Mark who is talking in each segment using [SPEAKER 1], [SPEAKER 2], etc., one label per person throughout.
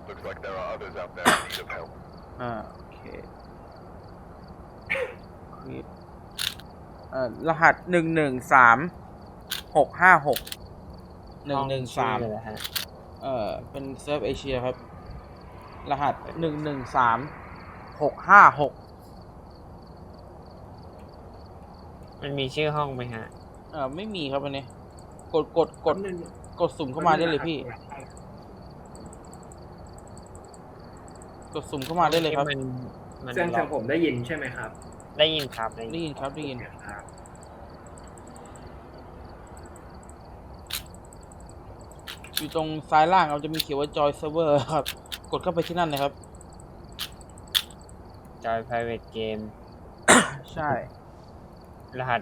[SPEAKER 1] Looks like there are others out there in need of help.
[SPEAKER 2] โอเครหัส113656 113
[SPEAKER 3] เลยนะฮะ
[SPEAKER 2] เป็นเซิร์ฟเอเชียครับรหัส113656
[SPEAKER 3] มันมีชื่อห้องไหมฮะ
[SPEAKER 2] ไม่มีครับอันนี้กดสุ่มเข้ามาได้เลยพี่กดสุ่มเข้ามาได้เลยครับ
[SPEAKER 3] มัน
[SPEAKER 4] เสียงผมได้ยินใช่ไหมครับ
[SPEAKER 3] ได้ยินครับ
[SPEAKER 2] ได้ยินครับได้ยินอยู่ตรงซ้ายล่างเราจะมีเขียนว่า Joy Server ครับกดเข้าไปที่นั่นเลยครับ
[SPEAKER 3] จอย private game
[SPEAKER 2] ใช่
[SPEAKER 3] รหัส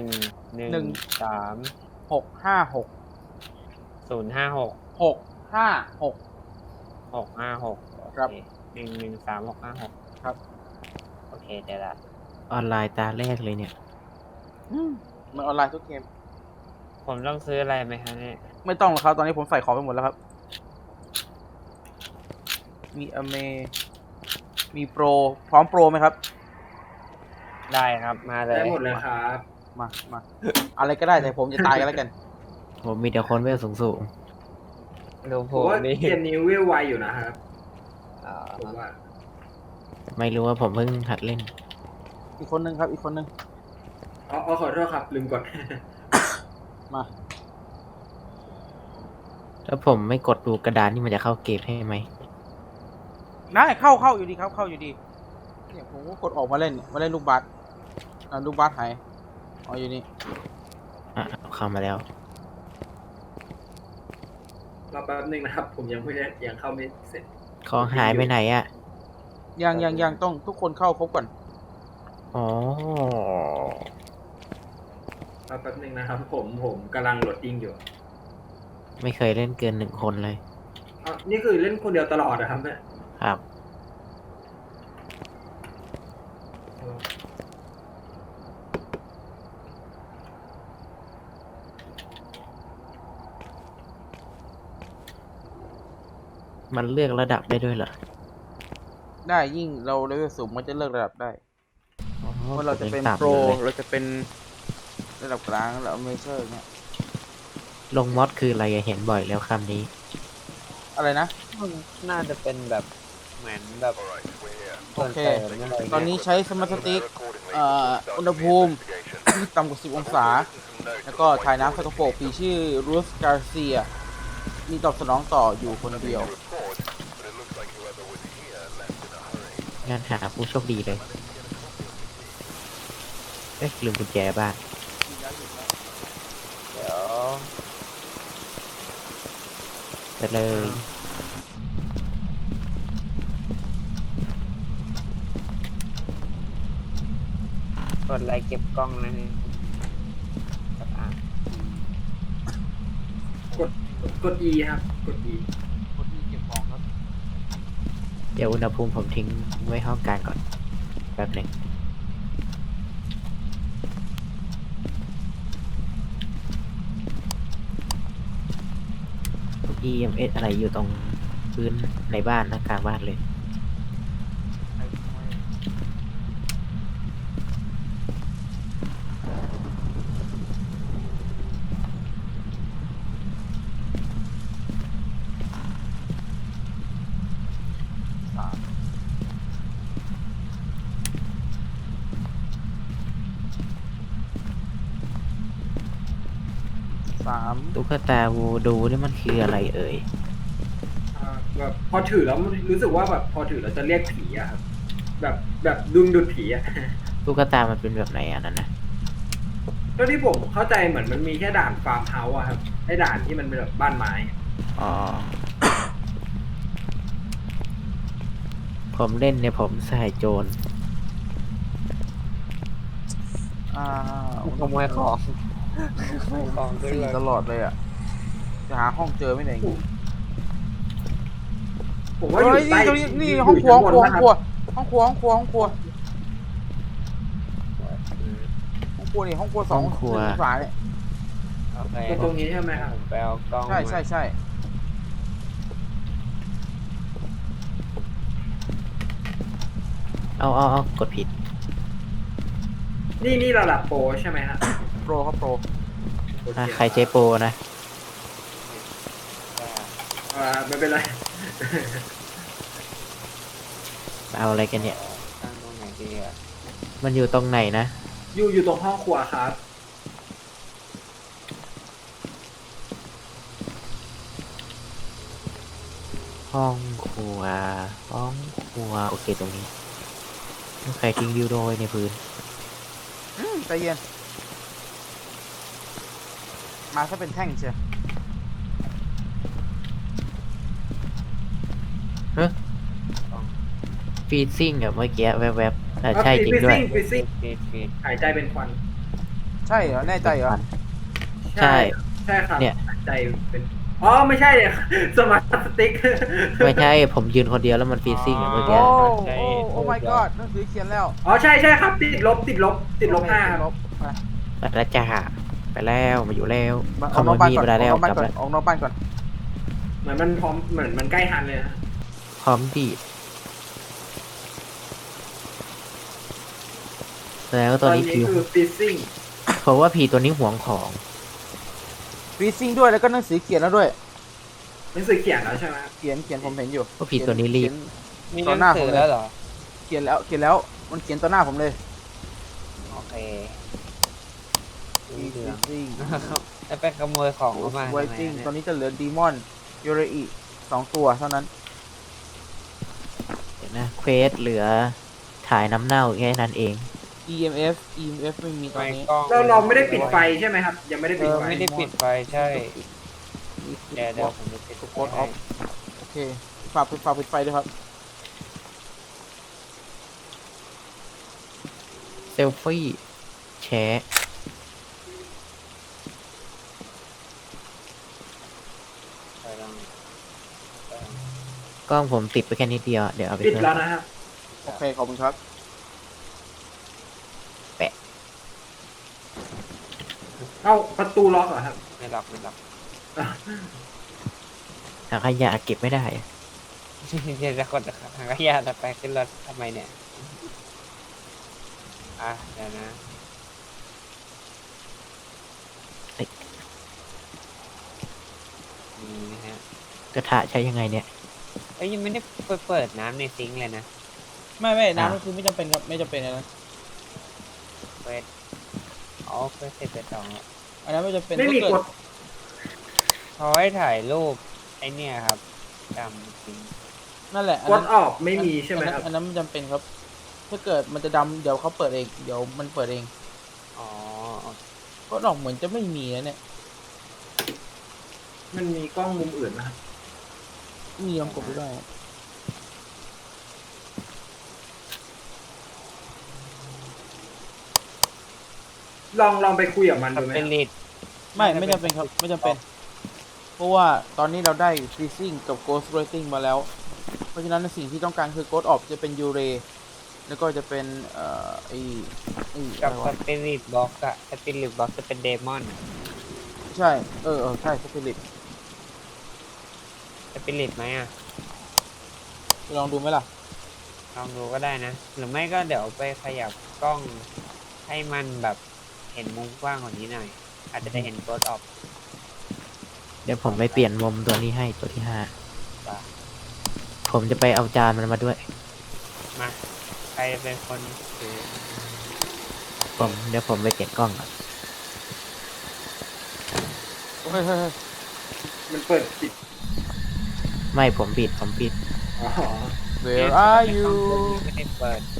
[SPEAKER 3] 113
[SPEAKER 2] 656
[SPEAKER 3] 056
[SPEAKER 2] 656
[SPEAKER 3] 656
[SPEAKER 2] ครับ
[SPEAKER 3] 113 656
[SPEAKER 2] ครับ
[SPEAKER 3] โอเคเดี๋ยวละ
[SPEAKER 5] ออนไลน์ตาแรกเลยเนี่ย
[SPEAKER 2] มันออนไลน์ทุกเกม
[SPEAKER 3] ผมต้องซื้ออะไรไหมฮะเนี่ย
[SPEAKER 2] ไม่ต้องหรอกครับตอนนี้ผมใส่ของไปหมดแล้วครับมีมีโปรพร้อมโปรไหมครับ
[SPEAKER 3] ได้ครับมาเลย
[SPEAKER 4] ได้หมดเลยครับ
[SPEAKER 2] มาอะไรก็ได้แต่ผมจะตายกันแล้วกัน
[SPEAKER 5] ผมมีแต่คนเวลสูง
[SPEAKER 3] ดูผ
[SPEAKER 4] ผม
[SPEAKER 3] ม
[SPEAKER 4] ว่า
[SPEAKER 3] นี่
[SPEAKER 4] เกมนี้เวลไวอยู่นะครับ
[SPEAKER 3] อ่า
[SPEAKER 4] ผมว่า
[SPEAKER 5] ๆ ไม่รู้ว่าผมเพิ่งหัดเล่น
[SPEAKER 2] อีกคนนึงครับอีกคนนึง
[SPEAKER 4] ขอโทษครับลืมกด
[SPEAKER 2] มา
[SPEAKER 5] ถ้าผมไม่กดดูกระดานนี่มันจะเข้าเกมให้ไหม
[SPEAKER 2] ได้เข้าอยู่ดีครับเข้าอยู่ดีเนี่ยผมก็กดออกมาเล่นลูกบาสลูกบาสหายอยู่นี่
[SPEAKER 5] เข้ามาแล้ว
[SPEAKER 4] รอแป๊บนึงนะครับ ผมยังเข้าไม่เสร็จ
[SPEAKER 5] ของหายไปไหนอ่ะ
[SPEAKER 2] ยังต้องทุกคนเข้าครบก่อน
[SPEAKER 5] อ๋อ
[SPEAKER 4] รอแป๊บนึงนะครับ ผมกำลังโหลดดิ้งอยู่
[SPEAKER 5] ไม่เคยเล่นเกิน1 คนเลย
[SPEAKER 4] นี่คือเล่นคนเดียวตลอดนะครับเนี่ย
[SPEAKER 5] ครับ มันเลือกระดับได้ด้วยเหรอ
[SPEAKER 2] ได้ยิ่งเราเลเวลสูงมันจะเลือกระดับได้
[SPEAKER 5] อ๋อ
[SPEAKER 2] ว่าเราจะเป็น
[SPEAKER 5] ผมยัง
[SPEAKER 2] โปร
[SPEAKER 5] ต่ำอยู่เลย
[SPEAKER 2] เราจะเป็นระดับกลางแล้วเมเจอร์เนี่ย
[SPEAKER 5] ลงมอดคืออะไรอะเห็นบ่อยแล้วคำนี้
[SPEAKER 2] อะไรนะ
[SPEAKER 3] น่าจะเป็นแบบเหมือนแบบ
[SPEAKER 1] Alright, we're here.
[SPEAKER 2] โอเค
[SPEAKER 3] ส่วนเสริมอะไร
[SPEAKER 2] ตอนนี้ใช้สมาร์ทสติ๊ก อุณหภูมิที่ต่ำกว่า 10 องศา แล้วก็ถ่ายน้ำสกปรกปีชื่อรูสการเซียมีตอบสนองต่ออยู่คนเดียว
[SPEAKER 1] But it looks like whoever was here left in a hurry.
[SPEAKER 5] งานหาผู้โชคดีเลย เอ๊ะลืมกุญแจบ้าน
[SPEAKER 3] เดี๋ยว
[SPEAKER 5] ไปเลย
[SPEAKER 3] กดไลค์เก็บกล้องนะฮะอ่ะ
[SPEAKER 4] กด E ครับ กด E
[SPEAKER 2] คนที่เก็บของครับ
[SPEAKER 5] เดี๋ยวอุณหภูมิผมทิ้งไว้ห้องกลางก่อน แป๊บหนึ่ง EMS อะไรอยู่ตรงพื้นในบ้านนะกลางบ้านเลย
[SPEAKER 2] 3
[SPEAKER 5] ตุ๊กตาวูดูนี่มันคืออะไรเอ่ย
[SPEAKER 4] แบบพอถือแล้วรู้สึกว่าแบบพอถือแล้วจะเรียกผีอะครับ แบบดึงดูดผีอะ
[SPEAKER 5] ตุ๊กตามันเป็นแบบไหนอันนั้นนะ
[SPEAKER 4] ก็ที่ผมเข้าใจเหมือนมันมีแค่ด่านฟาร์มเฮาส์อะครับไอ้ด่านที่มันเป็นแบบบ้านไม้
[SPEAKER 5] อ๋อ ผมเล่นเนี่ยผมใส่โจร
[SPEAKER 3] ขโมยของขโมยของขึ้น
[SPEAKER 2] สี่
[SPEAKER 3] เลย
[SPEAKER 2] ตลอดเลยอ่ะ จะหาห้องเจอไม่ไหนย
[SPEAKER 4] ผมว่าอยู่
[SPEAKER 2] เฮ้ย
[SPEAKER 4] ใต้
[SPEAKER 2] นี่ตรงนี้นี่ห้องครัวห้องครัวห้องครัวห้องครัวห้องครัวห้องครัวห้องครัวนี่ห้องครัว2
[SPEAKER 5] ห้องครัว
[SPEAKER 2] ฝาเนี่ย
[SPEAKER 3] โอเค
[SPEAKER 4] ตรงนี้ใช่ไหมครับ
[SPEAKER 3] ผมไปเอากล้อง
[SPEAKER 2] ใช่
[SPEAKER 3] มา
[SPEAKER 5] เอากดผิด
[SPEAKER 4] นี่ระดับโปรใช่ไหมฮะ
[SPEAKER 2] โปรครับโปร
[SPEAKER 4] โอเ
[SPEAKER 5] ใครใช้โปรนะ
[SPEAKER 4] ไม่เป็นไร
[SPEAKER 5] เอาอะไรกันเนี่ย
[SPEAKER 3] ตั้งตรงไหนดีอ่ะ
[SPEAKER 5] มันอยู่ตรงไหนนะ
[SPEAKER 4] อยู่ตรงห้องครัวครับ
[SPEAKER 5] ห้องครัว ห้องครัว โอเคตรงนี้ใครทิ้งดิวโดไว้ในพื้น
[SPEAKER 2] ใจเย็น มาถ้าเป็นแท่งเชียว
[SPEAKER 5] ฟีดซิ่งอะเมื่อกี้แวบๆใช่จริงด้วย
[SPEAKER 4] ฟิซซิ่ง
[SPEAKER 3] ฟีด
[SPEAKER 4] หายใจเป็นควัน
[SPEAKER 2] ใช่เหรอ แน่ใจเหรอ
[SPEAKER 5] ใช่
[SPEAKER 4] ใช่ครับ
[SPEAKER 5] เนี่ย
[SPEAKER 4] หายใจเป็นอ๋อไม่ใช่เลย สมาร์ทสติ๊ก
[SPEAKER 5] ไม่ใช่ผมยืนคนเดียวแล้วมันฟีดซิ่งอะเมื่อกี้
[SPEAKER 2] โอ้ my god หนังสือเขียนแล้ว
[SPEAKER 4] อ๋อใช่ครับติดลบ5
[SPEAKER 2] ติด
[SPEAKER 4] ครับ
[SPEAKER 2] ลบไป
[SPEAKER 5] ไปแล้วจ้าไปแล้วมาอยู่แล้ว
[SPEAKER 2] อ
[SPEAKER 5] ข
[SPEAKER 2] อก
[SPEAKER 5] โม
[SPEAKER 2] นอก
[SPEAKER 5] ย
[SPEAKER 2] บ้าน
[SPEAKER 5] มีด
[SPEAKER 2] ก่อน
[SPEAKER 5] ไปได้แล้ว
[SPEAKER 2] ออกนอกบ้าน
[SPEAKER 5] กลับ
[SPEAKER 2] ก่อน
[SPEAKER 5] แล้ว
[SPEAKER 2] ออกนอกบ้านก่อน
[SPEAKER 4] เหมือนมันพร้อมเหมือนมันใกล้ทันเลยนะ
[SPEAKER 5] พร้อมดีดแล้วตัวนี้คือ
[SPEAKER 4] คือฟิซซิ่ง
[SPEAKER 5] เพราะว่าผีตัวนี้หวงของ
[SPEAKER 2] ฟรีซิ่งด้วยแล้วก็หนังสือเขียนแล้วด้วย
[SPEAKER 4] หนังสือเขียนแล้วใช่ไหมครับ
[SPEAKER 2] เขียนผมเห็นอยู่
[SPEAKER 5] ว่าผีตัวนี้รีบ
[SPEAKER 2] เขีย
[SPEAKER 3] มี
[SPEAKER 2] ต่อ
[SPEAKER 3] ห
[SPEAKER 2] หน้า
[SPEAKER 3] นัง
[SPEAKER 2] ผ
[SPEAKER 3] สื
[SPEAKER 2] ม
[SPEAKER 3] อ
[SPEAKER 2] เลย
[SPEAKER 3] แล้วเหรอ
[SPEAKER 2] เขียนแล้วมันเขียนต่อหน้าผมเลย
[SPEAKER 3] โอเค
[SPEAKER 2] ฟรีซิ่ง
[SPEAKER 3] แล้วไปขโมยของเข้ามา
[SPEAKER 2] ไว
[SPEAKER 3] ทำไม
[SPEAKER 2] ติ้ง
[SPEAKER 3] เนี่ย
[SPEAKER 2] ตอนนี้จะเหลือดีมอนยูเรอี2 ตัวเท่านั้น
[SPEAKER 5] เดี๋ยวนะเควสเหลือถ่ายน้ำเน่าแค่นั้นเอง
[SPEAKER 2] EMF ไม่มีตอน
[SPEAKER 3] ไม่
[SPEAKER 2] นี้
[SPEAKER 3] กล้อง
[SPEAKER 4] เราไม่ได้ปิดไฟใช่ไหมครับ ยังไม่ได้ปิดไฟ
[SPEAKER 3] ไม่ได้ปิดไฟใช่เดี๋ยวผมจะปิด
[SPEAKER 2] โค้ดออฟโอเคฝากปิดไฟด้วยครับ
[SPEAKER 5] เซลฟี่แชะ
[SPEAKER 3] ไปลอง
[SPEAKER 5] กล้องผมติดไปแค่นิดเดียว เดี๋ยวเอาไป
[SPEAKER 4] ปิด
[SPEAKER 5] เพิ่ม
[SPEAKER 4] แล้วนะครับ
[SPEAKER 2] โอเคขอบคุณครับ
[SPEAKER 4] เอ้าประตูล็อกเหรอครับ
[SPEAKER 3] ไม่หลับ
[SPEAKER 5] หาขยะเก็บไม่ได้
[SPEAKER 3] เดี๋ยวจะกดทางขยะจะไปขึ้นรถทำไมเนี่ยเดี๋ยวนะ นี่นะฮะ
[SPEAKER 5] กระทะใช้ยังไงเนี่ย
[SPEAKER 3] ยังไม่ได้เปิดน้ำในซิงค์เลยนะ
[SPEAKER 2] ไม่น้ำก็คือไม่จำเป็นครับไม่จำเป็นนะ
[SPEAKER 3] เปิดเปิดเสร็จไปสองแล้ว
[SPEAKER 2] อันนั้นไม่จำเป็น
[SPEAKER 4] ไม่มี
[SPEAKER 2] ถ้าเกิ
[SPEAKER 4] ก
[SPEAKER 2] ด
[SPEAKER 4] ด
[SPEAKER 3] เขาให้ถ่ายรูปไอเนี่ยครับจำซิงค์
[SPEAKER 2] นั่นแหละ
[SPEAKER 4] กดออกไม่มีใช่ไหมครับ
[SPEAKER 2] อันนั้นไม่จำเป็นครับ ถ้าเกิดมันจะดำเดี๋ยวเขาเปิดเองเดี๋ยวมันเปิดเอง
[SPEAKER 3] อ๋อ
[SPEAKER 2] ก็ออกเหมือนจะไม่มีนะเนี่ย
[SPEAKER 4] มันมีกล้องมุมอื่นนะครับ
[SPEAKER 2] มีลองกดดูได้ครับ
[SPEAKER 4] ลองไปคุยกับมันดูไหม
[SPEAKER 3] เป็นลิด
[SPEAKER 2] ไม่จำเป็นครับไม่จำเป็น เพราะว่าตอนนี้เราได้ freezing กับ ghost writing มาแล้ว เพราะฉะนั้นสิ่งที่ต้องการคือ ghost orb จะเป็น Ure แล้วก็จะเป็นไอ้
[SPEAKER 3] กับ
[SPEAKER 2] อะไร
[SPEAKER 3] ส
[SPEAKER 2] วะ
[SPEAKER 3] ปิริตบ็อกอะสปิริตบ็อกจะเป็นเดมอน
[SPEAKER 2] ใช่ใช่ spirit
[SPEAKER 3] สปิริตไหมอะ
[SPEAKER 2] ไปลองดูไหมล่ะ
[SPEAKER 3] ลองดูก็ได้นะ หรือไม่ก็เดี๋ยวไปขยับกล้องให้มันแบบเห็นมุมกว้างกว่านี้หน่อย อาจจะได้เห็นโกดออฟ
[SPEAKER 5] เดี๋ยวผมไปเปลี่ยนมุมตัวนี้ให้ตัวที่
[SPEAKER 3] ป่ะ
[SPEAKER 5] 5 ผมจะไปเอาจานมันมาด้วย
[SPEAKER 3] มา ใครจะเป็นคนถือ
[SPEAKER 5] เดี๋ยวผมไปเปลี่ยนกล้องก่อน
[SPEAKER 2] เฮ้ย
[SPEAKER 4] มันเปิดปิด
[SPEAKER 5] ไม่ผมปิด
[SPEAKER 4] อ๋อ
[SPEAKER 2] where are you
[SPEAKER 3] ไม่ได้เปิด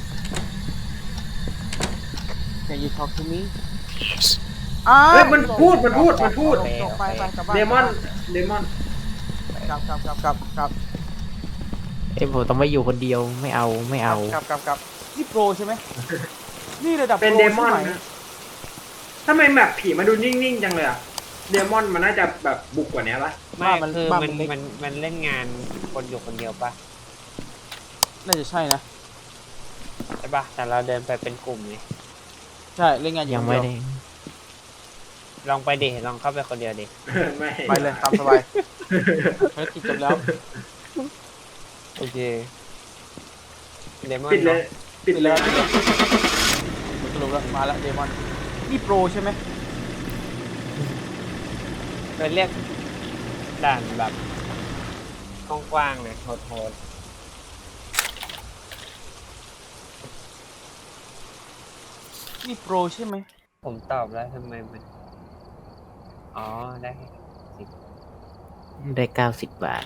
[SPEAKER 2] can you talk to me
[SPEAKER 4] เฮ้ยมันพูด
[SPEAKER 2] จบไปกลับบ้าน
[SPEAKER 4] เดมอน
[SPEAKER 2] กลับ
[SPEAKER 5] ผมต้องไม่อยู่คนเดียวไม่เอา
[SPEAKER 2] กลับนี่โปรใช่ไหมนี่ระดับ
[SPEAKER 4] เป็น
[SPEAKER 2] โปร
[SPEAKER 4] เดมอน
[SPEAKER 2] ใช่ไห
[SPEAKER 4] นะทำไมแบบผีมาดูนิ่งๆจังเลยอะเดมอนมันน่าจะแบบบุกกว่านี้ปะ
[SPEAKER 3] ไม่คือ
[SPEAKER 2] บ้า
[SPEAKER 3] มันเล่นงานคนอยู่คนเดียวปะ
[SPEAKER 2] น่าจะใช่นะ
[SPEAKER 3] ใช่ปะแต่เราเดินไปเป็นกลุ่มเลย
[SPEAKER 2] ใช่เล่นงานอ
[SPEAKER 5] ยัง
[SPEAKER 2] คน
[SPEAKER 5] ไม่
[SPEAKER 2] เดียว
[SPEAKER 5] ได้
[SPEAKER 3] ลองไปดิลองเข้าไปคนเดียวดิ
[SPEAKER 4] ไม่
[SPEAKER 2] ไปเลยตามสบายภารกิจจบแล้ว
[SPEAKER 3] โอเคเดมอน
[SPEAKER 4] ปิดเลย ปิปิดเลย
[SPEAKER 2] สรุปแล้วมาแล้วเดมอนนี่โปรใช่ไหม
[SPEAKER 3] เคยเรียกด่านแบบกว้างๆเลยโหด
[SPEAKER 2] นี่โปรใช่ไหม
[SPEAKER 3] ๆผมตอบแล้วทำไมมัน อ๋อ ได้สิบ
[SPEAKER 5] ได้90 บาท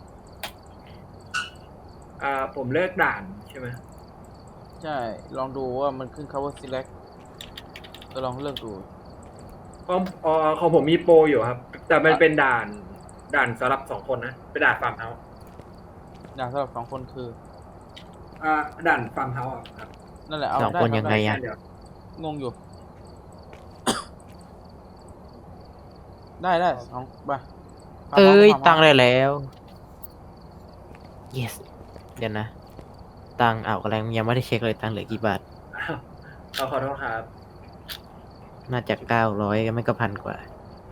[SPEAKER 4] ผมเลิกด่านใช่ไหม
[SPEAKER 2] ใช่ลองดูว่ามันขึ้น cover select ก็ลองเลือกดู
[SPEAKER 4] ของผมมีโปรอยู่ครับ แต่มันเป็นด่านสำหรับ2 คนนะเป็นด่านฟาร์มเฮาส์
[SPEAKER 2] อย่างสำหรับ2 คนคือ
[SPEAKER 4] ด่านฟาร์มเฮาส์ครับ
[SPEAKER 2] นั่นแหละเอา
[SPEAKER 5] สอง
[SPEAKER 2] ได้
[SPEAKER 5] คน
[SPEAKER 2] ครับ
[SPEAKER 5] ยังไง
[SPEAKER 2] ด้
[SPEAKER 5] อะ
[SPEAKER 4] เดี๋ยว
[SPEAKER 2] งงอยู่ ได้สองไป
[SPEAKER 5] เอ้ย
[SPEAKER 2] ฟาร์มเฮาส์
[SPEAKER 5] ตังค์ได้แล้ว yes เดี๋ยวนะ ตังค์เอาอะไรยังไม่ได้เช็คเลยตังค์เหลือกี่บาท
[SPEAKER 4] ขอโทษครับ
[SPEAKER 5] น่าจะ900ก็ไม่ก็1,000 กว่า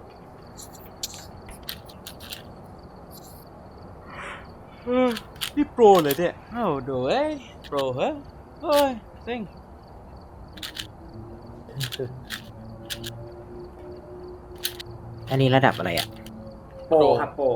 [SPEAKER 2] นี่โปรเลยเนี่ยเอ้าโดเอ้ยโปรเหรอเฮ้ยเซ็ง
[SPEAKER 5] อันนี้ระดับอะไรอ่ะ
[SPEAKER 4] โปรครับโปร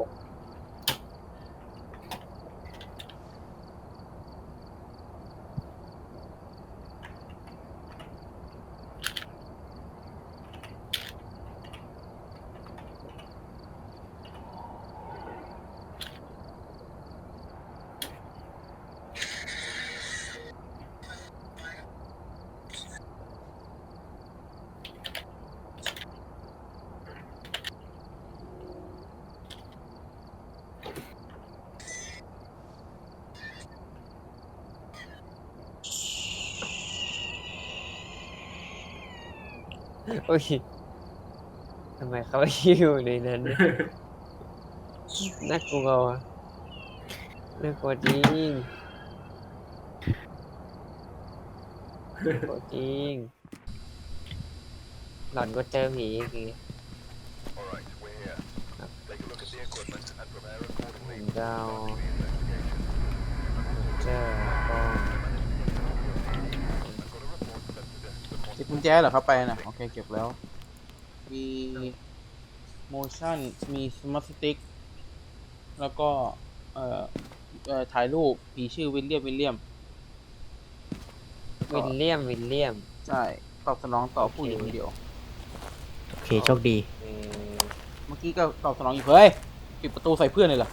[SPEAKER 3] โอ้ยทำไมเขาอยู่ในนั้นเนี่ยน่ากลัวว่ะน่ากลัวจริงน่ากลัวจริง หลอนก็เจอผีอีกที
[SPEAKER 1] Alright, we're here. Take a look at the equipment and prepare
[SPEAKER 3] ผ
[SPEAKER 1] accordingly
[SPEAKER 3] มจะเอา
[SPEAKER 1] for the investigation.
[SPEAKER 3] เจอก็
[SPEAKER 1] I've got a report that suggests the
[SPEAKER 2] เก็บกุญแจเหรอครับไปน่ะโอเคเก็บแล้ว มี motion มี smart stick แล้วก็ถ่ายรูปผีชื่อวิลเลียม
[SPEAKER 3] วิลเลียม
[SPEAKER 2] ใช่ตอบสนองต่อผู้หญิงคนเดียว
[SPEAKER 5] โอเค โชคดี
[SPEAKER 3] เอ่อ
[SPEAKER 2] เมื่อกี้ก็ตอบสนองอยู่เฮ้ยปิดประตูใส่เพื่อนเลยเหรอ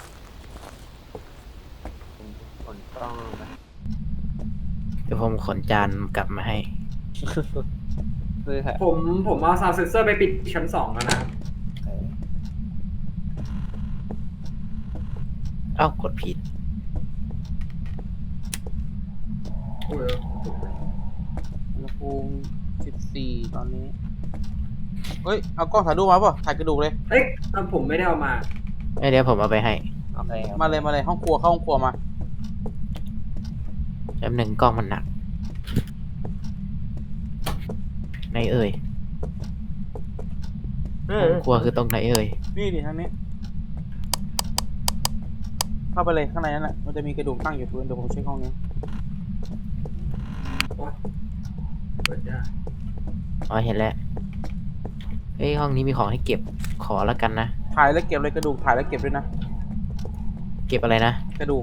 [SPEAKER 3] ผมขนกล้องมา
[SPEAKER 5] เดี๋ยวผมขนจานกลับมาให้
[SPEAKER 3] เพื่อ
[SPEAKER 4] ผมเอาซาวด์เซนเซอร์ไปปิดชั้น 2 แล้วนะครับ
[SPEAKER 5] เอ้ากดผิด
[SPEAKER 4] โอ้ย
[SPEAKER 2] อุณหภูมิ14 ตอนนี้ เฮ้ย เอากล้องถ่ายรูปมาป่ะ ถ่ายกระดูกเลย
[SPEAKER 4] เอ้ยผมไม่ได้เอามา
[SPEAKER 5] เดี๋ยวผมเอาไปให้
[SPEAKER 3] โอเคครับ
[SPEAKER 2] มาเลยห้องครัวเข้าห้องครัวมา
[SPEAKER 5] แป๊บหนึ่งกล้องมันหนักไหนเอ่ยห้องครัวคือตรงไหนเอ่ย
[SPEAKER 2] นี่ดิทางนี้ เข้าไปเลยข้างในนั่นแหละ มันจะมีกระดูกตั้งอยู่พื้นเดี๋ยวผมเช็คห้องนี้
[SPEAKER 4] เปิดได้
[SPEAKER 5] อ๋อเห็นแล้ว เฮ้ยห้องนี้มีของให้เก็บ ขอแล้วกันนะ
[SPEAKER 2] ถ่ายแล้วเก็บเลยกระดูก ถ่ายแล้วเก็บด้วยนะ
[SPEAKER 5] เก็บอะไรนะ
[SPEAKER 2] กระดูก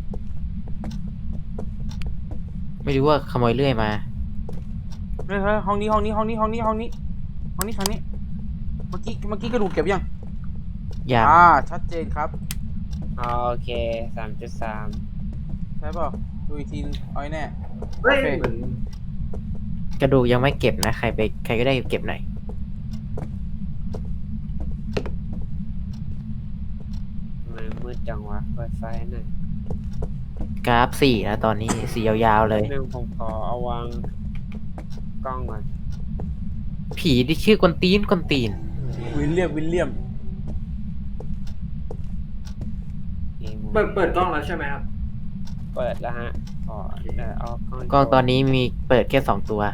[SPEAKER 5] ไม่รู้ว่าขโมยเลื่อยมา
[SPEAKER 2] เฮ้ยห้องนี้ทางนี้ เมื่อกี้กระดูกเก็บยัง
[SPEAKER 5] ยัง
[SPEAKER 2] ชัดเจนครับ
[SPEAKER 3] โอเค 3.3
[SPEAKER 2] ใช่เปล่าดูอีกทีนึงเอาให้แน่
[SPEAKER 4] เฮ้ย
[SPEAKER 2] โอเค
[SPEAKER 4] เหมือน
[SPEAKER 5] กระดูกยังไม่เก็บนะ ใครก็ได้เก็บหน่อย
[SPEAKER 3] มันมืดจังวะเปิดไฟหน่อย
[SPEAKER 5] กราฟ4นะตอนนี้สียาวๆเลย
[SPEAKER 3] หนึ่งผมขอเอาวางกล้องก่อน
[SPEAKER 5] ผีที่ชื่อกวนตีน
[SPEAKER 2] วิลเลียม
[SPEAKER 4] เปิดกล้องแล้วใช่ไหมครับ
[SPEAKER 3] เปิดแล้วฮะขอเอากล้อง
[SPEAKER 5] กล้องตอนนี้มีเปิดแค่2 ตัว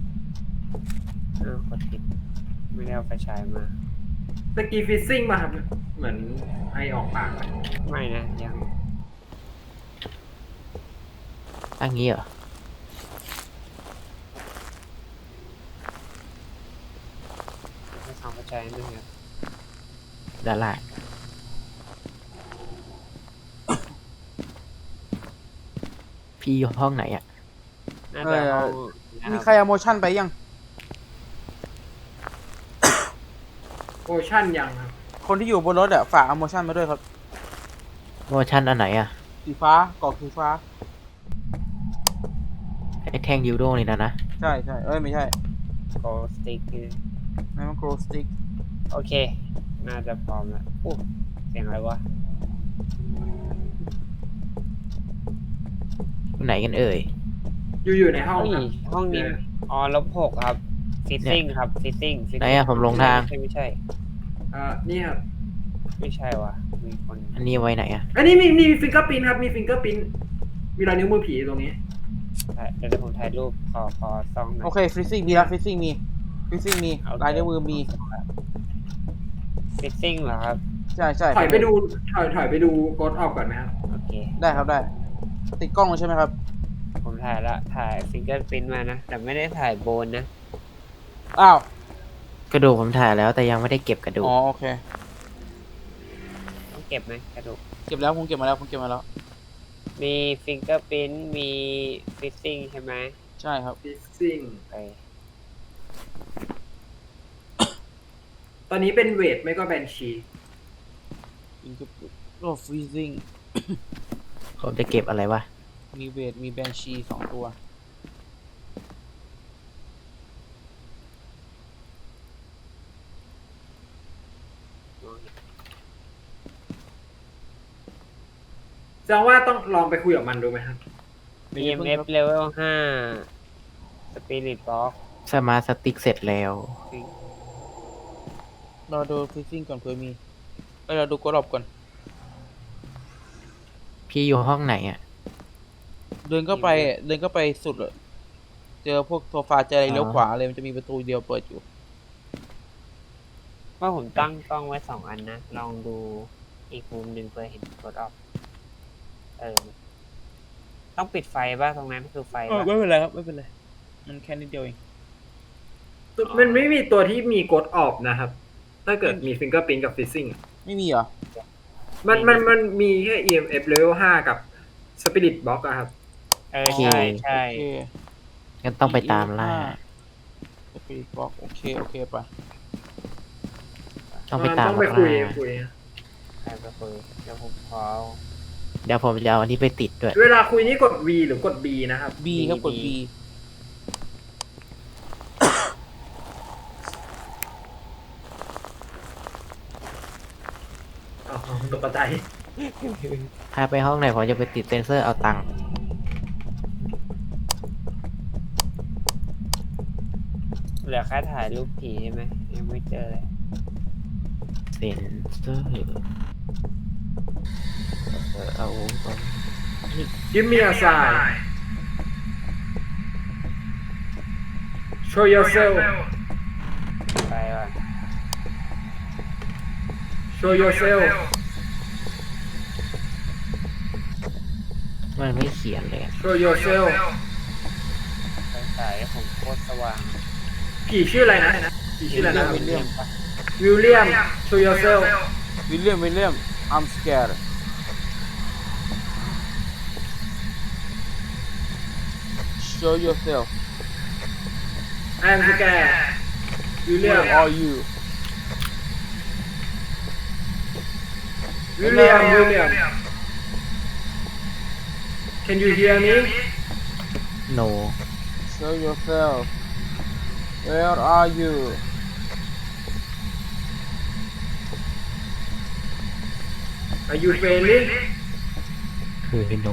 [SPEAKER 3] กดผิดไม่ได้เอาไฟฉายมา
[SPEAKER 4] ตะกี้ฟิซซิ่งมาครับ เหมือนไอออกปากอะ
[SPEAKER 3] ไม่นะยัง
[SPEAKER 5] อันนี้เหรอ
[SPEAKER 3] ใช่นะครับ
[SPEAKER 5] ด้านล่างพี่อยู่ห้องไหนอ่ะ
[SPEAKER 3] น่าจะห้อง
[SPEAKER 2] มีใครเอาโมชั่นไปยัง
[SPEAKER 4] โอชั่นยังครับ
[SPEAKER 2] คนที่อยู่บนรถฝากเอาโมชั่นมาด้วยครับ
[SPEAKER 5] โมชั่นอันไหนอ่ะ
[SPEAKER 2] สีฟ้ากรอกสีฟ้า
[SPEAKER 5] ไอ้แท่งยูโดนี่นะ
[SPEAKER 2] ใช่ใช่ไม่ใช่
[SPEAKER 3] โกสติก
[SPEAKER 2] นั่นมันโกลสติก
[SPEAKER 3] โอเค น่าจะพร้อมแล้วอู้เสียงอะไรวะ
[SPEAKER 5] อยู่ไหนกันเอ่ย
[SPEAKER 4] อยู่ในห้อง
[SPEAKER 3] อุ้ย
[SPEAKER 4] ครับ
[SPEAKER 3] ห้องนี้อ๋อ-6ครับฟิตติ้งครับฟิตติ้ง
[SPEAKER 5] ไหนอะผมลงทาง
[SPEAKER 3] ไม่ใช่
[SPEAKER 4] นี่ครับ
[SPEAKER 3] ไม่ใช่วะมีคน
[SPEAKER 5] อันนี้ไว้ไหนอ่ะ
[SPEAKER 4] อันนี้มีฟิงเกอร์พิ้นครับมีฟิงเกอร์พิ้นมีรอยนิ้วมือผีตรงนี้
[SPEAKER 3] เดี๋ยวผมถ่ายรูปขอซองหน่อย
[SPEAKER 2] โอเคฟรีซิ่งมีแล้วฟรีซิ่งมีลายนิ้วมือมี
[SPEAKER 3] ฟิตติ้งเหรอครับ
[SPEAKER 2] ใช่ใช่
[SPEAKER 4] ถอยไปดูกดออกก่อนไหมครับ
[SPEAKER 3] โอเค
[SPEAKER 2] ได้ครับได้ ติดกล้องเลยใช่ไหมครับ
[SPEAKER 3] ผมถ่ายฟิงเกอร์พิ้นมานะ แต่ไม่ได้ถ่ายโบนนะ
[SPEAKER 2] อ้าว
[SPEAKER 5] กระดูกผมถ่ายแล้วแต่ยังไม่ได้เก็บกระดูก
[SPEAKER 2] อ๋อโอเค
[SPEAKER 3] ต้องเก็บไหมกระดูก
[SPEAKER 2] เก็บแล้วผมเก็บมาแล้วผมเก็บมาแล้ว
[SPEAKER 3] มีฟิงเกอร์พิ้นมีฟิตติ้งใช่ไหม
[SPEAKER 2] ใช่ครับ
[SPEAKER 4] ฟิซซิ่ง
[SPEAKER 3] ไป
[SPEAKER 4] ตอนนี้เป็นเวทไม่ก็แบนชี
[SPEAKER 2] โอ้ฟรีซิ่ง
[SPEAKER 5] ผมจะเก็บอะไรวะ
[SPEAKER 2] มีเวทมีแบนชี2 ตัว
[SPEAKER 4] แสดงว่าต้องลองไปคุยกับมันดูไหมครับ
[SPEAKER 3] EMF level 5 Spirit Box
[SPEAKER 5] สมาร์ทสติ๊กเสร็จแล้ว
[SPEAKER 2] เราดูฟรีซิ่งก่อนเผื่อมีเราดูกดออฟก่อน
[SPEAKER 5] พี่อยู่ห้องไหนอ่ะ
[SPEAKER 2] เดินเข้าไปสุดเลยเจอพวกโซฟาเจออะไรเลี้ยวขวาเลยมันจะมีประตูเดียวเปิดอยู่
[SPEAKER 3] ว่าผมตั้งกล้องไว้2 อันนะ ลองดูอีกมุมหนึ่งเพื่อเห็นกดออฟต้องปิดไฟป่ะตรงนั้นคือไฟป่ะ
[SPEAKER 2] ไม่เป็นไรครับไม่เป็นไรมันแค่นิดเดียวเอง
[SPEAKER 4] มันไม่มีตัวที่มีกดออกนะครับ ถ้าเกิดมีฟิงเกอร์พิ้นกับฟิซซิ่ง
[SPEAKER 2] ไม่มีเหรอ
[SPEAKER 4] มันมีแค่ EMF level 5 กับ Spirit Box อะครับ
[SPEAKER 3] ใช่ใช่
[SPEAKER 2] โอเค
[SPEAKER 5] งั้นต้องไปตามล่า
[SPEAKER 2] สปีดบ็อกโอเคไป
[SPEAKER 5] ต้องไปตาม
[SPEAKER 4] ต้องไป
[SPEAKER 5] ล่า
[SPEAKER 4] คุย
[SPEAKER 3] ใครไปคุยเดี๋ยวผมขอ
[SPEAKER 5] เดี๋ยวผมจะเอาอันนี้ไปติดด้วย
[SPEAKER 4] เวลาคุยนี่กด V หรือกด B นะครับ
[SPEAKER 2] B ครับกด B
[SPEAKER 4] อ๋อตกใจ
[SPEAKER 5] พาไปห้องไหนผมจะไปติดเซนเซอร์เอาตังค์
[SPEAKER 3] เหลือแค่ถ่ายรูปผีใช่ไหมยังไม่เจอเลย
[SPEAKER 5] เซนเซอร์เอาตรง
[SPEAKER 4] Give me a sign Show yourself
[SPEAKER 3] ไปก่อน
[SPEAKER 4] Show yourself
[SPEAKER 5] มันไม่เขียนเลยอะ
[SPEAKER 4] Show yourself
[SPEAKER 3] ไฟฉายผมโคตรสว่าง
[SPEAKER 4] ผีชื่ออะไรนะผีชื่ออะไรนะ
[SPEAKER 2] วิลเลียม
[SPEAKER 4] วิลเลียม Show yourself
[SPEAKER 2] วิลเลียม I'm scared show yourself
[SPEAKER 4] I'm scared วิลเลียม
[SPEAKER 2] where are you
[SPEAKER 4] วิลเลียม Can you hear me
[SPEAKER 5] no
[SPEAKER 2] show yourself where are you
[SPEAKER 4] Are you friendly
[SPEAKER 5] คือ no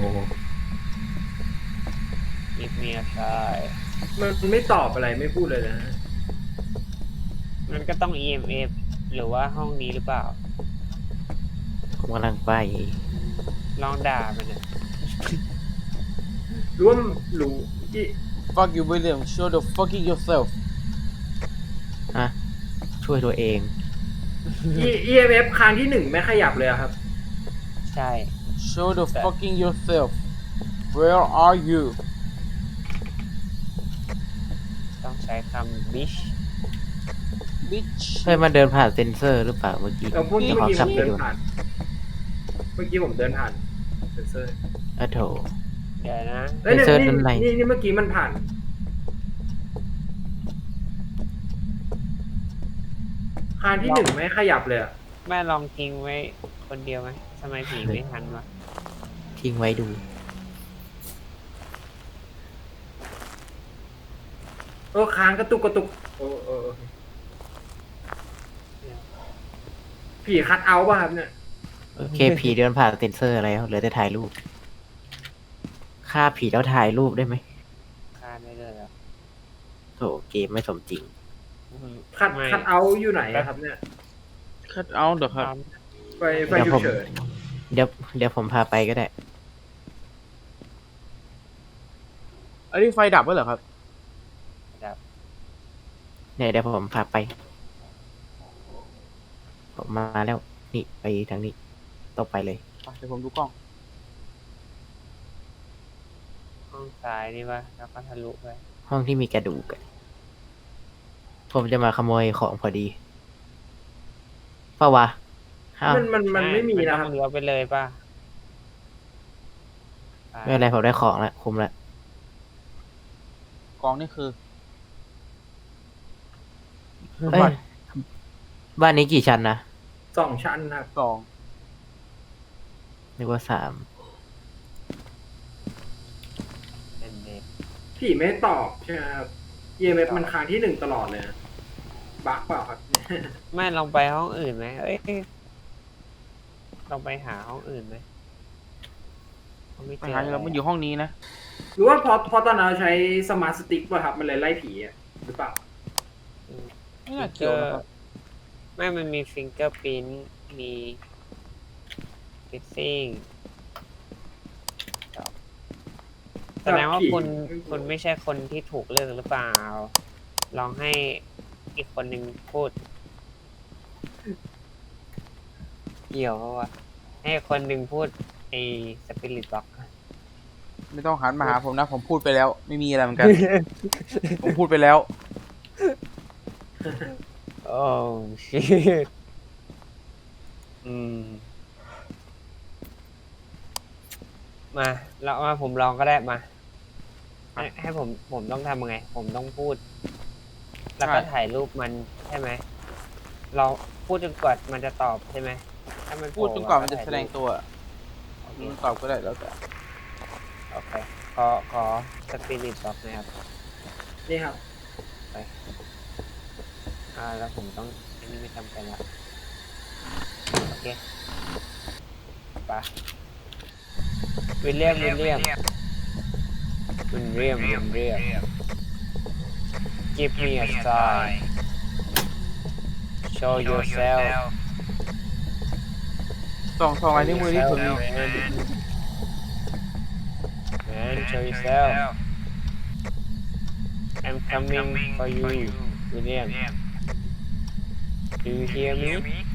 [SPEAKER 3] มีเมียชาย
[SPEAKER 4] มันไม่ตอบอะไรไม่พูดเลยนะ
[SPEAKER 3] มันก็ต้อง EMF หรือว่าห้องนี้หรือเปล่า
[SPEAKER 5] ผมกำลังไป
[SPEAKER 3] ลองด่ามันนะ
[SPEAKER 4] รู้ว่ารู้
[SPEAKER 2] fuck you William show the fucking yourself
[SPEAKER 5] ฮะ ช่วยตัวเอง
[SPEAKER 4] EMF ครั้งที่1ไม่ขยับเลยอะครับ
[SPEAKER 3] ใช่
[SPEAKER 2] show the fucking yourself where are you
[SPEAKER 3] ต้องใช้คำ bitch
[SPEAKER 2] บิช
[SPEAKER 5] เฮ้ยมันเดินผ่านเซนเซอร์หรือเปล่าเมื่อกี้
[SPEAKER 4] เราพูด
[SPEAKER 5] เดี๋ยว
[SPEAKER 4] เมื่อ
[SPEAKER 5] ขอ
[SPEAKER 4] กี้
[SPEAKER 5] ก
[SPEAKER 4] ผ
[SPEAKER 5] ลับ
[SPEAKER 4] ม
[SPEAKER 5] ไป
[SPEAKER 4] เดิน
[SPEAKER 5] ดู
[SPEAKER 4] ผ่าน เมื่อกี้ผมเดินผ่านเซนเซอร์
[SPEAKER 5] อ่ะโถ
[SPEAKER 3] เดี๋ยวนะ
[SPEAKER 4] เอ้ย
[SPEAKER 5] เซนเซอร์
[SPEAKER 4] นี่
[SPEAKER 5] ด้านใน
[SPEAKER 4] นี่เมื่อกี้มันผ่านคานที่หนึ่งไม่ขยับเลยอะ
[SPEAKER 3] แม่ลองทิ้งไว้คนเดียวไหมทำไมผีไม่ทันวะ
[SPEAKER 5] ทิ้งไว้ดู
[SPEAKER 4] คานกระตุกกระตุกผีคัดเอาท์ป่ะครับเนี่ย
[SPEAKER 5] โอเค ผีเดินผ่านเซนเซอร์แล้วเหลือแต่ถ่ายรูปฆ่าผีแล้วถ่ายรูปได้ไหม
[SPEAKER 3] ฆ่าได้เลยเหรอ
[SPEAKER 5] โถเกมไม่สมจริง
[SPEAKER 4] คัด
[SPEAKER 3] ไม่
[SPEAKER 4] คัดเอาท์อยู่ไหนอะครับเนี่ย
[SPEAKER 2] คัดเอาท์เหรอครับ
[SPEAKER 4] ไฟ
[SPEAKER 5] เดี๋ยว
[SPEAKER 4] ฉุ
[SPEAKER 5] ผ
[SPEAKER 4] ก
[SPEAKER 5] ม
[SPEAKER 4] เฉิน
[SPEAKER 5] เดี๋ยวผมพาไปก็ได้
[SPEAKER 2] อันนี้ไฟดับไว้เหรอครับ
[SPEAKER 3] ดับ
[SPEAKER 5] เนี่ยเดี๋ยวผมพาไป ผมมาแล้ว นี่ไปทางนี้ต้องไปเลย
[SPEAKER 2] เดี๋ยวผมดูกล้อง
[SPEAKER 3] ห้องซ้ายนี่ปะแล้วก็ทะลุไป
[SPEAKER 5] ห้องที่มีกระดูกอะผมจะมาขโมยของพอดีเปล่าวะอ้าว
[SPEAKER 4] มันไม่มีนะครับ
[SPEAKER 3] ต้องเลี้ยวไปเลยป่ะ
[SPEAKER 5] ไม่เป็นไรผมได้ของแล้วคุมแล้ว
[SPEAKER 2] กล้องนี่คือ
[SPEAKER 5] เอ้ยบ้านนี้กี่ชั้นนะ
[SPEAKER 4] 2 ชั้นครับ
[SPEAKER 2] กล้อง
[SPEAKER 5] นึกว่า3
[SPEAKER 3] เป็นเด็ก
[SPEAKER 4] ผีไม่ตอบใช่ไหมครับ EMF มันค้างที่หนึ่งตลอดเลยนะบั๊กเปล่าครับ
[SPEAKER 3] ไม่ลองไปห้องอื่นไหมเอ้ยลองไปหาห้องอื่นไหมไม่
[SPEAKER 2] ไป
[SPEAKER 3] เจอ
[SPEAKER 2] หาเราไม่อยู่ห้องนี้นะ
[SPEAKER 4] หรือว่าพอตอนนั้นเราใช้สมาร์ทสติ๊กป่ะครับ มันเลยไล่ผีอะหรือเปล่า
[SPEAKER 2] ไม่น่าเกี่ยวนะครับ
[SPEAKER 3] ไม่มันมีฟิงเกอร์พิ้นมีฟิซซิ่งแสดงว่าคุณไม่ใช่คนที่ถูกเลือกหรือเปล่า ลองให้อีกคนหนึ่งพูด เกี่ยวเพราะว่า ให้คนหนึ่งพูดไอ้สปิริตบ็อก
[SPEAKER 2] ไม่ต้องหันมาหาผมนะ ผมพูดไปแล้ว ไม่มีอะไรเหมือนกัน ผมพูดไปแล้ว
[SPEAKER 3] โอ้ชิตมาเรามาผมลองก็ได้มา ให้ผมต้องทำยังไง ผมต้องพูด แล้วก็
[SPEAKER 2] ใช่
[SPEAKER 3] ถ่ายรูปมันใช่ไหม เราพูดจนกว่ามันจะตอบใช่ไหมถ้ามัน
[SPEAKER 2] พูดจนกว่ามันจะแสดง
[SPEAKER 3] ว
[SPEAKER 2] ตัวมันตอบก็ได้แล้วแต่
[SPEAKER 3] โอเคขอสปิริตบอกนะครับ
[SPEAKER 4] นี่ครับ
[SPEAKER 3] แล้วผมต้องอันนี้ไม่ทำกันละโอเคไปวิลเลียม give me a sign show yourself
[SPEAKER 2] ส่องลายนิ้วมือที่ผมมี
[SPEAKER 3] man show yourself I'm coming for you William do you hear me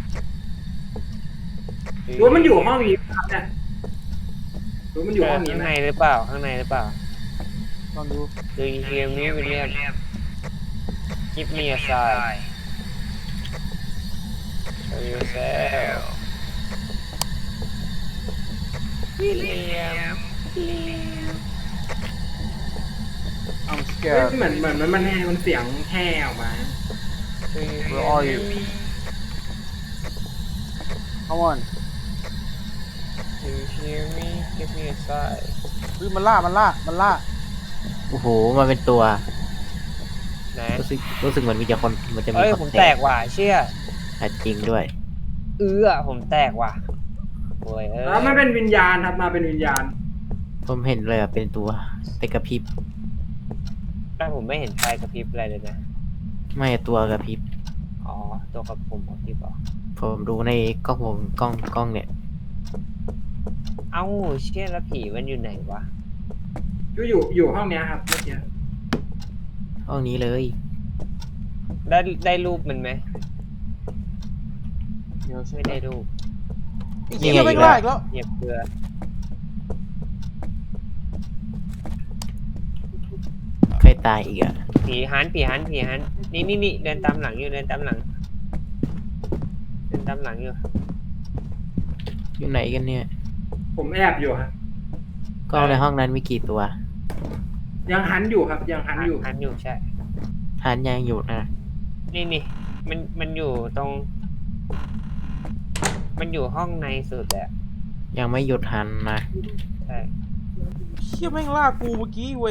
[SPEAKER 4] หรือว่ามันอยู่ห้องนี้ครับเนี่ยหรือมันอยู่ห้องนี้
[SPEAKER 3] ข้าง
[SPEAKER 4] ไหม
[SPEAKER 3] ในหรือเปล่าข้างในหรือเปล่า
[SPEAKER 2] ลองดู
[SPEAKER 3] Do you hear me William give me a sign show yourself William
[SPEAKER 2] I'm
[SPEAKER 4] เฮ้ย
[SPEAKER 2] scared
[SPEAKER 4] เหมือนมันเสียงแห่ออกมา
[SPEAKER 3] Do you
[SPEAKER 2] Where
[SPEAKER 3] hear
[SPEAKER 2] are you?
[SPEAKER 3] me
[SPEAKER 2] Come on
[SPEAKER 3] Do you hear me give me a sign
[SPEAKER 2] เฮ้ยมันล่า
[SPEAKER 5] โอ้โหมันเป็นตัว
[SPEAKER 3] ไหน
[SPEAKER 5] รู้สึกเหมือนมีคนมันจะมี
[SPEAKER 3] เอ้ย
[SPEAKER 5] ค
[SPEAKER 3] ผม
[SPEAKER 5] น
[SPEAKER 3] แตกว่ะเชี่ย
[SPEAKER 5] อ่ะจริงด้วย
[SPEAKER 3] ผมแตกว่ะโอ้ยเอ้ย
[SPEAKER 4] แล้วมันเป็นวิญญาณครับมาเป็นวิญญาณ
[SPEAKER 5] ผมเห็นเลยอ่ะเป็นตัวแต่กระพริบ
[SPEAKER 3] แต่ผมไม่เห็นไฟกระพริบอะไรเลยนะ
[SPEAKER 5] ไม่ตัวกระพริบ
[SPEAKER 3] อ๋อ ตัวกับผมกระพริบเหรอ
[SPEAKER 5] ผมดูในกล้องวงกล้องเนี่ย
[SPEAKER 3] เอ้าเชี่ยแล้วผีมันอยู่ไหนวะ
[SPEAKER 4] อยู่ห้องเนี้ยครับเมื่อกี้
[SPEAKER 5] ห้องนี้เลย
[SPEAKER 3] ได้รูปมันไหม
[SPEAKER 2] เดี๋ยวใช่
[SPEAKER 3] ไม่ได้รูป
[SPEAKER 2] อีกทีก็ไม่กล้าอีกแล้ว
[SPEAKER 3] เหยียบเกลือ
[SPEAKER 5] ใครตายอีกอ่ะ
[SPEAKER 3] ผีผีหันนี่เดินตามหลังอยู่เดินตามหลังอยู่
[SPEAKER 5] อยู่ไหนกันเนี่ย
[SPEAKER 4] ผมแอบอยู่ครับ
[SPEAKER 5] กล้องในห้องนั้นมีกี่ตัว
[SPEAKER 4] ยังหันอยู่ครับ ยังหันอยู่
[SPEAKER 3] หันอยู่ใช่
[SPEAKER 5] ทานยังอยู่นะ
[SPEAKER 3] นี่มันอยู่ตรง มันอยู่ห้องในสุดแหละ
[SPEAKER 5] ยังไม่หยุดหันนะ
[SPEAKER 3] ใช่
[SPEAKER 2] เชี่ยแม่งล่ากูเมื่อกี้เวน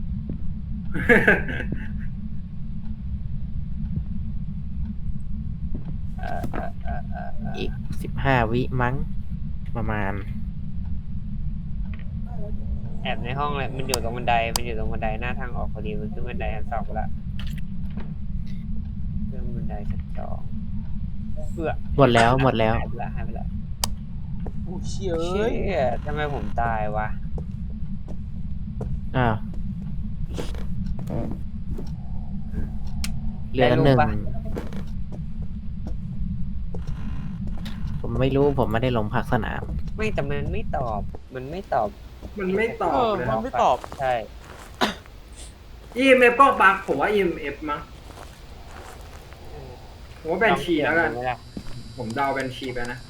[SPEAKER 5] อีก15 วิมั้ง ประมาณ
[SPEAKER 3] แอบในห้องเลยมันอยู่ตรงบันไดหน้าทางออกพอดีมันขึ้นบันไดชั้น2ไปละขึ้นบันไดชั้น2เพื่อ
[SPEAKER 5] หมดแล้ว
[SPEAKER 3] หายไปละ
[SPEAKER 2] โอ้เชี่ย
[SPEAKER 3] เชี่
[SPEAKER 2] เอ้ย
[SPEAKER 3] ยทำไมผมตายวะ
[SPEAKER 5] อ้าวเหลือหนึ่ง ผมไม่รู้ผมไม่ได้ลงพักสนาม
[SPEAKER 3] ไม่แต่มันไม่ตอบ
[SPEAKER 4] มันไม่ตอบ
[SPEAKER 2] เอ
[SPEAKER 4] เลย
[SPEAKER 2] มันไม่ตอบ
[SPEAKER 3] ใช่
[SPEAKER 4] EMF ก็บักผมว่า EMF มั้งผมว่าแบนชีแล้วกัน
[SPEAKER 3] ไม่ได้
[SPEAKER 4] ผมเดาแบนชีไปนะ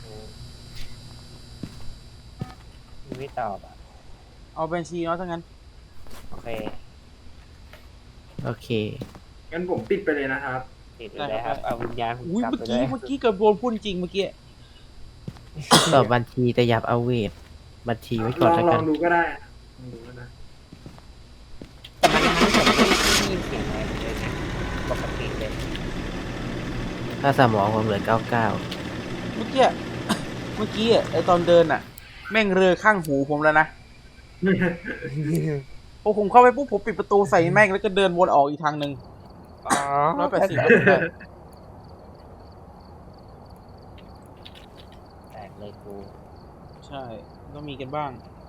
[SPEAKER 3] มันไม่ตอบอ่ะ
[SPEAKER 2] เอาบัญชีเนาะถ้างั้น
[SPEAKER 3] โอเค
[SPEAKER 5] โอเค
[SPEAKER 4] งั้นผมปิดไปเลยนะครับ
[SPEAKER 3] ติดไปเลยครับเอาวิญญาณผม
[SPEAKER 2] อุ้ย
[SPEAKER 3] กลับ
[SPEAKER 2] เมื่อ
[SPEAKER 3] ไปเล
[SPEAKER 2] กี้
[SPEAKER 3] ย
[SPEAKER 2] เมื่อกี้เกือบโดนพูดจริงเมื่อกี้
[SPEAKER 5] ตอบบัญชีแต่อย่าเอาเวท บัญชีไว้
[SPEAKER 4] ล
[SPEAKER 5] ก่อน
[SPEAKER 4] อง
[SPEAKER 5] แล้ว
[SPEAKER 4] ล
[SPEAKER 5] กั
[SPEAKER 4] อน งดูก็ได้ลองดูก็ได้
[SPEAKER 3] แต่มันไม่ได้ยินเสียงอะไรเลยนะปกติเลย
[SPEAKER 5] ถ้าสมองผมเหลือ 99
[SPEAKER 2] เมื่อกี้อะไอตอนเดินอะแม่งเรือข้างหูผมแล้วนะพอผมเข้าไปปุ๊บผมปิดประตูใส่แม่งแล้วก็เดินวนออกอีกทางหนึ่ง
[SPEAKER 3] อ๋อ
[SPEAKER 2] 180ได้
[SPEAKER 3] แตกเลยกู
[SPEAKER 2] ใช่ต้องมีกันบ้าง